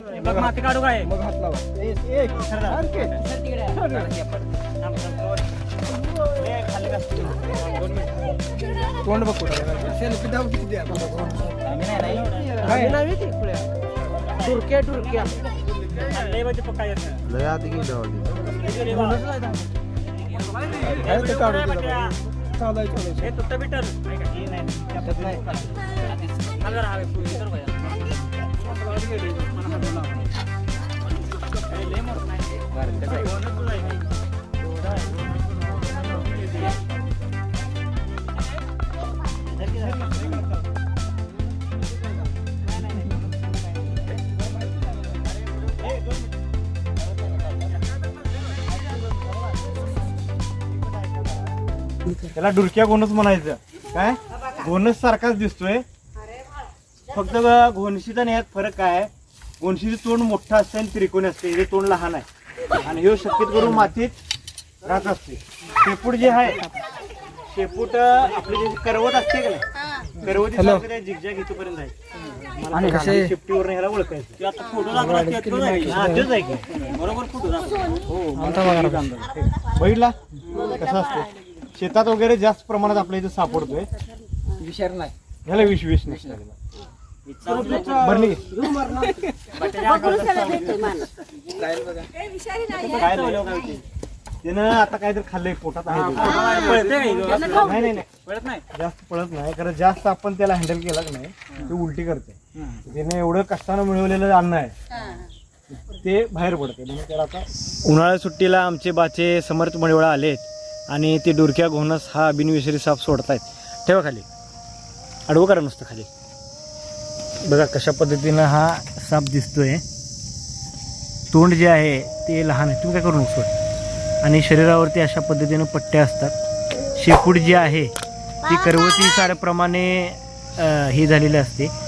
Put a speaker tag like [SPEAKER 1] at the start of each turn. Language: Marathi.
[SPEAKER 1] बघ माती काढू काय
[SPEAKER 2] मग हात लावा. एक सारखे. तोंड बघ कुठं सेल्फी दाव किती द्या टुरक्या टुरक्या
[SPEAKER 3] लय आत गेलो
[SPEAKER 4] त्याला डुरक्या घोणस म्हणायचं. काय घोणस सारखाच दिसतोय, फक्त घोणशीचा आणि ह्यात फरक काय आहे, घोणशीचं तोंड मोठं असतं आणि त्रिकोणी असते, हे तोंड लहान आहे आणि हे शक्यत करून मातीत राहत असते. शेपूट जे आहे, शेपूट आपली जे करवत असते का नाही, करवती सारखं झिगझॅग इथपर्यंत आहे.
[SPEAKER 2] आणि कसे
[SPEAKER 4] शेपटीवर ह्याला ओळखायचं. आता फोटो बरोबर फोटो बघितला कसा असतो. शेतात वगैरे जास्त प्रमाणात आपल्या इथे सापडतोय.
[SPEAKER 2] विचार नाही
[SPEAKER 4] ह्याला विष नसतं. त्यानं आता काहीतरी खाल्लंय पोटात आहे. नाही जास्त पळत नाही, कारण जास्त आपण त्याला हँडल केला की नाही ते उलटी करते. त्याने एवढं कष्टानं मिळवलेलं अन्न आहे ते बाहेर पडते. म्हणून त्याला आता उन्हाळ्या सुट्टीला आमचे बाचे समर्थ मळीवळा आलेत आणि ते डुरक्या घोणस हा बिनविषारी साप सोडतायत. ठेवा खाली, अडवं करा नुसतं खाली. बघा कशा पद्धतीनं हा साप दिसतोय. तोंड जे आहे ते लहान आहे, तुम्ही काय करू नको. आणि शरीरावरती अशा पद्धतीनं पट्ट्या असतात. शेपूट जी आहे ती करवती साऱ्याप्रमाणे ही झालेली असते.